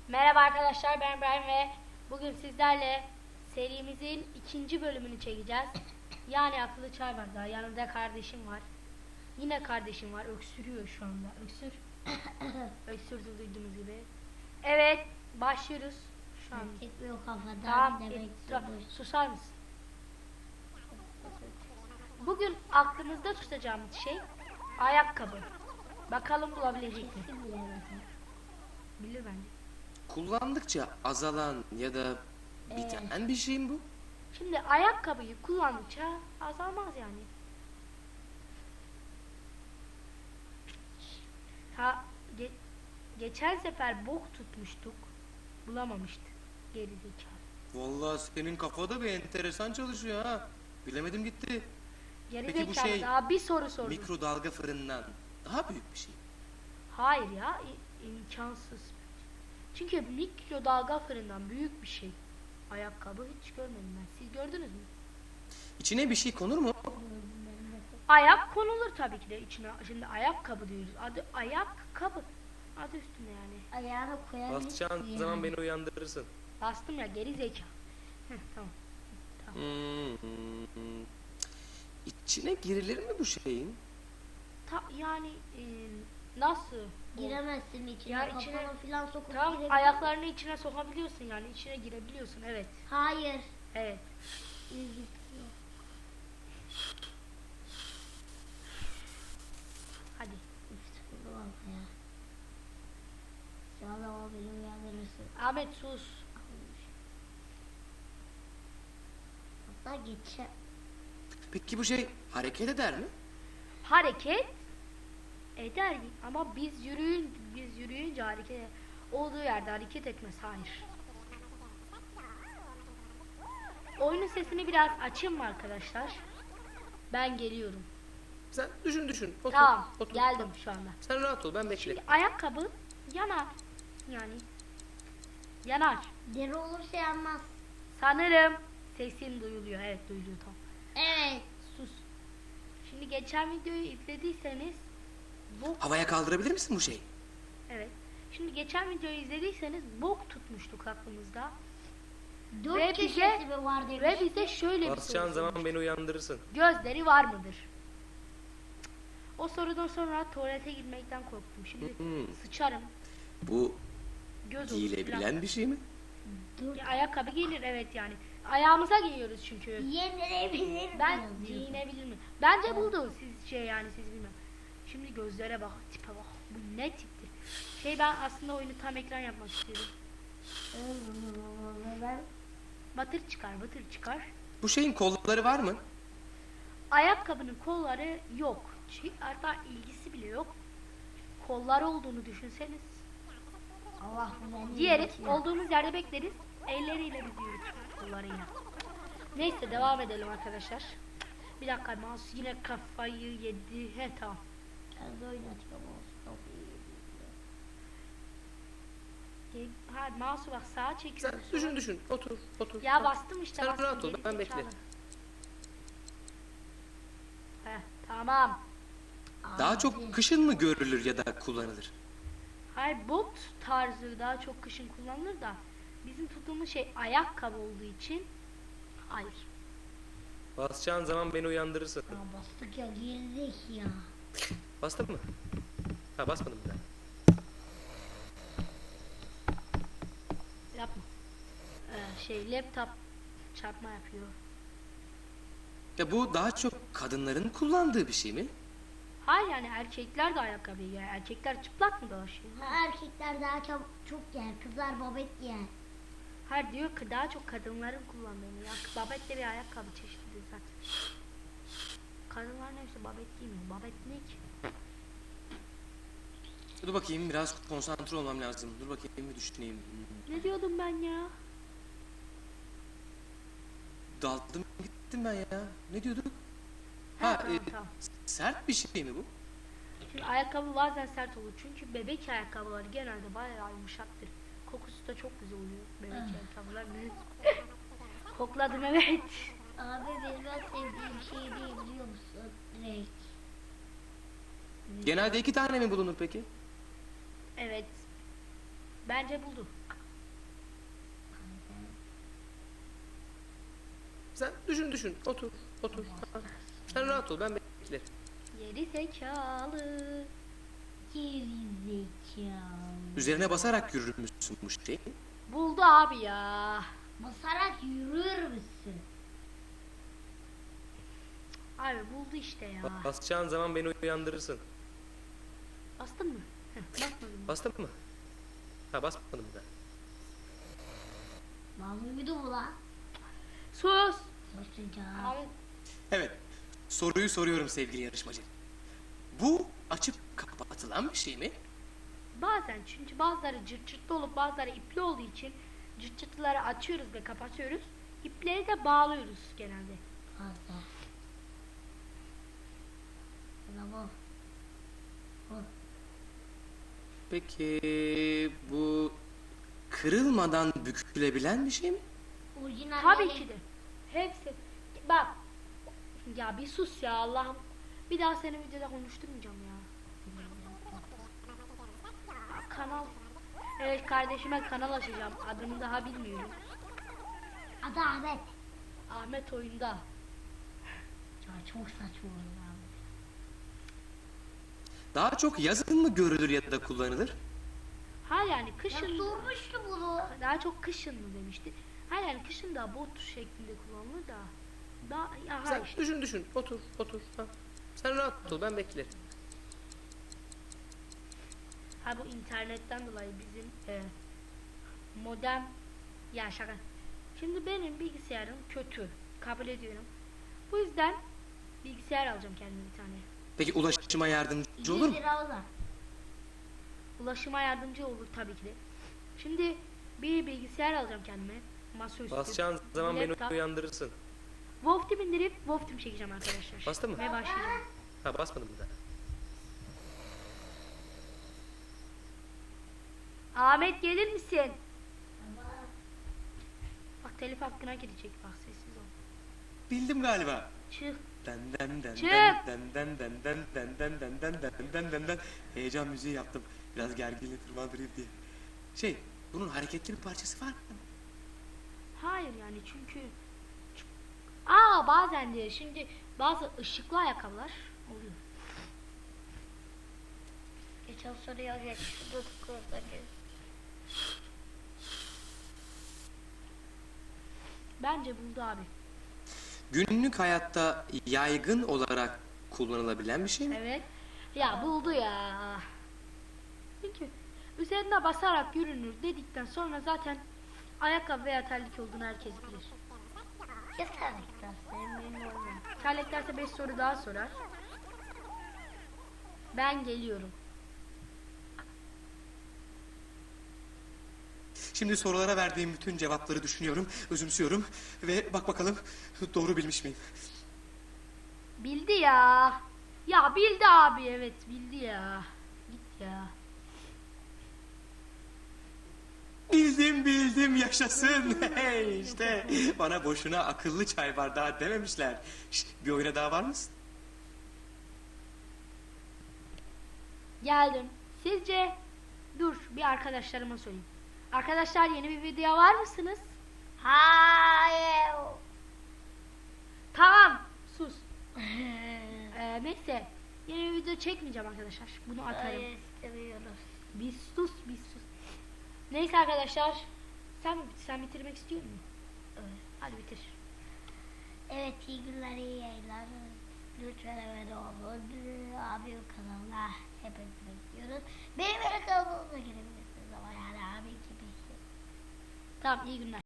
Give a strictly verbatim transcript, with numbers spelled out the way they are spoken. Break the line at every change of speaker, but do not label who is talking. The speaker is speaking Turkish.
Merhaba arkadaşlar, ben İbrahim ve bugün sizlerle serimizin ikinci bölümünü çekeceğiz. Yani akıllı çay var, daha yanımda kardeşim var. Yine kardeşim var, öksürüyor şu anda. Öksür. Öksürdü duyduğunuz gibi. Evet, başlıyoruz şu an.
Gitmiyor kafadan
Tamam,
demek
et-
ki.
susar mısın? Bugün aklımızda tutacağımız şey ayakkabı. Bakalım bulabilecek mi?
Kesin bilemezim.
Bilir bence.
Kullandıkça azalan ya da biten bir şey mi bu?
Şimdi ayakkabıyı kullandıkça azalmaz yani. Ha ge- geçen sefer bok tutmuştuk. Bulamamıştık. Geri zekalı.
Vallahi senin kafada bir enteresan çalışıyor ha. Bilemedim gitti.
Geri
Peki bu
zekalı,
şey
daha bir soru sordum.
mikrodalga fırından daha büyük bir şey.
Hayır ya, i- imkansız. Çünkü mikrodalga fırından büyük bir şey. Ayakkabı hiç görmedim ben. Siz gördünüz mü?
İçine bir şey konur mu?
Ayak konulur tabii ki de içine. Şimdi ayakkabı diyoruz. Adı ayakkabı. Adı üstünde yani.
Ayağını koyabilirsin
Basacağın
yani.
zaman beni uyandırırsın.
Bastım ya, geri zeka. Heh, tamam.
Hmm. İçine girilir mi bu şeyin?
Ta, yani e, nasıl?
Giremezsin içine,
Ya
kafana
içine-
filan sokup
Tamam,
girebilirsin.
ayaklarını içine sokabiliyorsun yani, içine girebiliyorsun, evet.
Hayır.
Evet.
İlgisi yok.
Hadi.
Sıkıldı valla ya. İnşallah o beni uyandırırsın.
Ahmet sus.
Hatta geçe.
Peki bu şey hareket eder mi?
Hareket eder ama biz yürüyün biz yürüyünce hareket olduğu yerde hareket etmez, hayır. Oyunun sesini biraz açayım mı arkadaşlar? Ben geliyorum.
Sen düşün düşün. Otur,
Tamam,
otur.
geldim şu anda.
Sen rahat ol, ben bekle.
Şimdi ayakkabı yanar. Yani yanar.
Deri olursa yanmaz.
Sanırım sesim duyuluyor. Evet, duyuluyor, tamam.
Evet.
Sus. Şimdi geçen videoyu izlediyseniz bok,
Havaya kaldırabilir misin bu şeyi?
evet. Şimdi geçen videoyu izlediyseniz bok tutmuştuk aklımızda.
Dört
Ve
köşesi
bize-
mi var demiş.
Ve bize şöyle bir
Basacağın
soru
zaman
sormuştu.
beni uyandırırsın.
Gözleri var mıdır? O sorudan sonra tuvalete girmekten korktum. Şimdi
Hmm.
sıçarım.
Bu
Göz olur falan.
giyilebilen bir şey mi?
Dört.
Ya, ayakkabı giyilir, evet yani. Ayağımıza giyiyoruz çünkü.
Yenilebilir mi
Ben
yazıyor?
giyinebilir mi? Bence buldu siz şey yani, siz bilmem. Şimdi gözlere bak, tipe bak. Bu ne tipti? Şey, ben aslında oyunu tam ekran yapmak istiyorum.
Ben
Batır çıkar, batır çıkar.
Bu şeyin kolları var mı?
Ayakkabının kolları yok. Çünkü hatta ilgisi bile yok. Kolları olduğunu düşünseniz.
Allah beni
Giyeriz,
yönetiyor.
olduğumuz yerde bekleriz. Elleriyle biz yürütürüz, kollarıyla. Neyse, devam edelim arkadaşlar. Bir dakika, mouse yine kafayı yedi. He, tamam.
Kendi oynatıyorum olsun. Çok iyi.
Gel- Ha, mouse'u bak sağa
Sen
çekiyoruz.
düşün düşün. Otur, otur.
Ya bastım işte.
Sen
bastım,
rahat ol,
geri
ben
zekalı.
bekle.
Heh, tamam.
Daha
Abi,
çok kışın mı görülür ya da kullanılır?
Hayır, bot tarzı daha çok kışın kullanılır da bizim tuttuğumuz şey ayakkabı olduğu için hayır.
Basacağın zaman beni uyandırırsın.
Ya bastık ya, girdik ya.
Bastın mı? Ha, basmadım bir daha.
Yapma. Ee, şey, laptop çarpma yapıyor.
Ya bu daha çok kadınların kullandığı bir şey mi?
Hayır, yani erkekler de ayakkabı giyer. Erkekler çıplak mı dolaşıyor?
Erkekler daha çok, çok yer, kızlar babet yer.
Hayır, diyor ki daha çok kadınların kullandığını. Ya babet de bir ayakkabı çeşididir zaten. Kadınlar neyse babet giymiyor. Babet ne ki?
Dur bakayım, biraz konsantre olmam lazım. Dur bakayım bir düşüneyim.
Ne diyordum ben ya?
Daldım gittim ben ya. Ne diyorduk?
Ha,
Ha,
tamam,
e,
tamam.
sert bir şey mi bu?
Şimdi ayakkabı bazen sert olur. Çünkü bebek ayakkabıları genelde bayağı yumuşaktır. Kokusu da çok güzel oluyor bebek ayakkabılar. Kokladım, evet.
Abi benim en sevdiğim şey değil biliyor musun? Renk.
Genelde iki tane mi bulunur peki?
Evet. Bence buldu.
Sen düşün düşün. Otur. Otur. Ha. Sen rahat ol ben beklerim.
Geri zekalı.
Geri zekalı.
Üzerine basarak yürür müsün bu şey?
Buldu abi ya.
Basarak yürür müsün?
Abi buldu işte ya.
Basacağın zaman beni uyandırırsın.
Bastın mı? Heh, basmadım.
Bastın mı? Ha basmadım bir daha.
Lan uyudu mu lan?
Sus.
Susacağım.
Abi,
Evet. Soruyu soruyorum sevgili yarışmacı. Bu açıp kapatılan bir şey mi?
bazen çünkü bazıları cırt cırtlı olup bazıları ipli olduğu için cırt cırtlıları açıyoruz ve kapatıyoruz. İpleri de bağlıyoruz genelde.
Fazla. Ulan bu. Bu.
Peki bu kırılmadan bükülebilen bir şey mi?
Orijinal
Tabii
yani.
ki de. Hepsi. Bak. Ya bir sus ya Allah'ım. Bir daha seni videoda konuşturmayacağım ya. Kanal. Evet kardeşime kanal açacağım. Adını daha bilmiyorum.
Adı Ahmet.
Ahmet oyunda.
Ya çok saçma oldu abi.
Daha çok yazın mı görülür ya da kullanılır?
Ha yani
Ya
kışın
sormuştu bunu.
daha çok kışın mı demişti. Ha yani kışın da bot şeklinde kullanılır da. Daha ya ha
Sen
işte.
düşün düşün. Otur. Otur. Ha. Sen rahat ol ben beklerim.
Ha bu internetten dolayı bizim e, modem ya şaka. Şimdi benim bilgisayarım kötü. Kabul ediyorum. Bu yüzden bilgisayar alacağım kendime bir tane.
Peki ulaşıma yardımcı olur mu?
yüz lira o da.
Ulaşıma yardımcı olur tabii ki de. Şimdi bir bilgisayar alacağım kendime. Masaüstü.
Basacağın zaman
bir
beni
laptop.
uyandırırsın.
Wolf Team indirip Wolf Team çekeceğim arkadaşlar.
Bastın mı?
Ve başlayacağım.
Ha basmadım bir daha.
Ahmet gelir misin? Bak telif hakkına girecek bak sessiz ol.
Bildim galiba.
Çık.
Den den den
Çık.
den den den den den den den den den den den den. Heyecan müziği yaptım. Biraz gerginliği tırmandırayım diye. Şey, bunun hareketli bir parçası var mı?
Hayır yani çünkü Aa bazen diyor şimdi bazı ışıklı ayakkabılar oluyor.
Geçen soruya geç. Dur kurda geç.
Bence buldu abi.
Günlük hayatta yaygın olarak kullanılabilen bir şey mi?
Evet. Ya buldu ya. Çünkü üzerine basarak yürünür dedikten sonra zaten ayakkabı veya terlik olduğunu herkes bilir.
Ya terlikten senin benim olmam.
Terlik derse beş soru daha sorar. Ben geliyorum.
Şimdi sorulara verdiğim bütün cevapları düşünüyorum, özümsüyorum ve bak bakalım doğru bilmiş miyim?
Bildi ya. Ya bildi abi evet bildi ya. Git ya.
Bildim bildim yaşasın. Hey işte bana boşuna akıllı çay bardağı dememişler. Şş, bir oyuna daha var mısın?
Geldim. Sizce dur bir arkadaşlarıma sorayım. Arkadaşlar yeni bir video var mısınız?
Hayır.
Tamam. Sus. Ee, neyse. Yeni bir video çekmeyeceğim arkadaşlar. Bunu atarım.
Hayır istemiyoruz.
Bir sus bir sus. Neyse arkadaşlar. Sen sen bitirmek istiyor musun?
Evet.
Hadi bitir.
Evet iyi günler iyi yayınlar. Lütfen abone olun. Abim kanalına hepinizi bekliyoruz. Benim öyle kanalıma girebilirsiniz ama yani abi gibi.
Tamam iyi günler.